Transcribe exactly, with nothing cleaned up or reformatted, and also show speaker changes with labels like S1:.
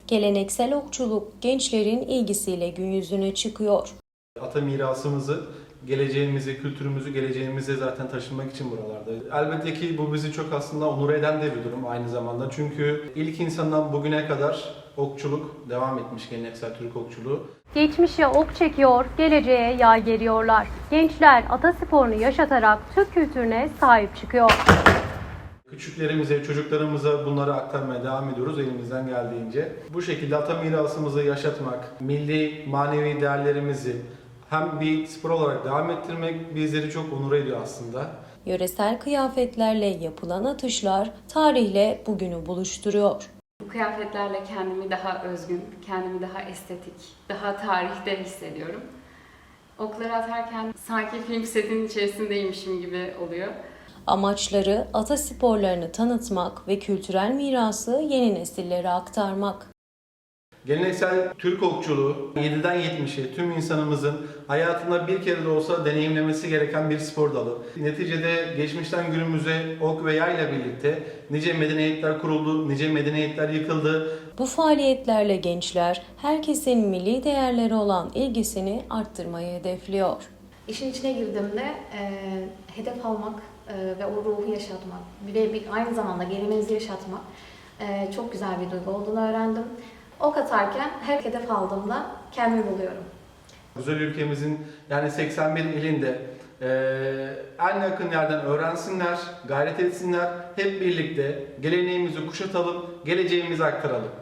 S1: Geleneksel okçuluk gençlerin ilgisiyle gün yüzüne çıkıyor.
S2: Ata mirasımızı, geleceğimizi, kültürümüzü geleceğimize zaten taşınmak için buralarda. Elbette ki bu bizi çok aslında onur eden de bir durum aynı zamanda. Çünkü ilk insandan bugüne kadar okçuluk devam etmiş, geleneksel Türk okçuluğu.
S3: Geçmişe ok çekiyor, geleceğe yay geriyorlar. Gençler atasporunu yaşatarak Türk kültürüne sahip çıkıyor.
S2: Küçüklerimize, çocuklarımıza bunları aktarmaya devam ediyoruz elimizden geldiğince. Bu şekilde ata mirasımızı yaşatmak, milli manevi değerlerimizi hem bir spor olarak devam ettirmek bizleri çok onur ediyor aslında.
S1: Yöresel kıyafetlerle yapılan atışlar tarihle bugünü buluşturuyor.
S4: Bu kıyafetlerle kendimi daha özgün, kendimi daha estetik, daha tarihte hissediyorum. Okları atarken sanki film setinin içerisindeymişim gibi oluyor.
S1: Amaçları ata sporlarını tanıtmak ve kültürel mirası yeni nesillere aktarmak.
S2: Geleneksel Türk okçuluğu yediden yetmişe tüm insanımızın hayatında bir kere de olsa deneyimlemesi gereken bir spor dalı. Neticede geçmişten günümüze ok ve yayla birlikte nice medeniyetler kuruldu, nice medeniyetler yıkıldı.
S1: Bu faaliyetlerle gençler herkesin milli değerleri olan ilgisini arttırmayı hedefliyor.
S5: İşin içine girdiğimde e, hedef almak e, ve o ruhu yaşatmak ve bir, aynı zamanda geleneğimizi yaşatmak e, çok güzel bir duygu olduğunu öğrendim. Ok atarken her hedef aldığımda kendimi buluyorum.
S2: Güzel ülkemizin yani seksen bir ilinde e, en yakın yerden öğrensinler, gayret etsinler, hep birlikte geleneğimizi kuşatalım, geleceğimizi aktaralım.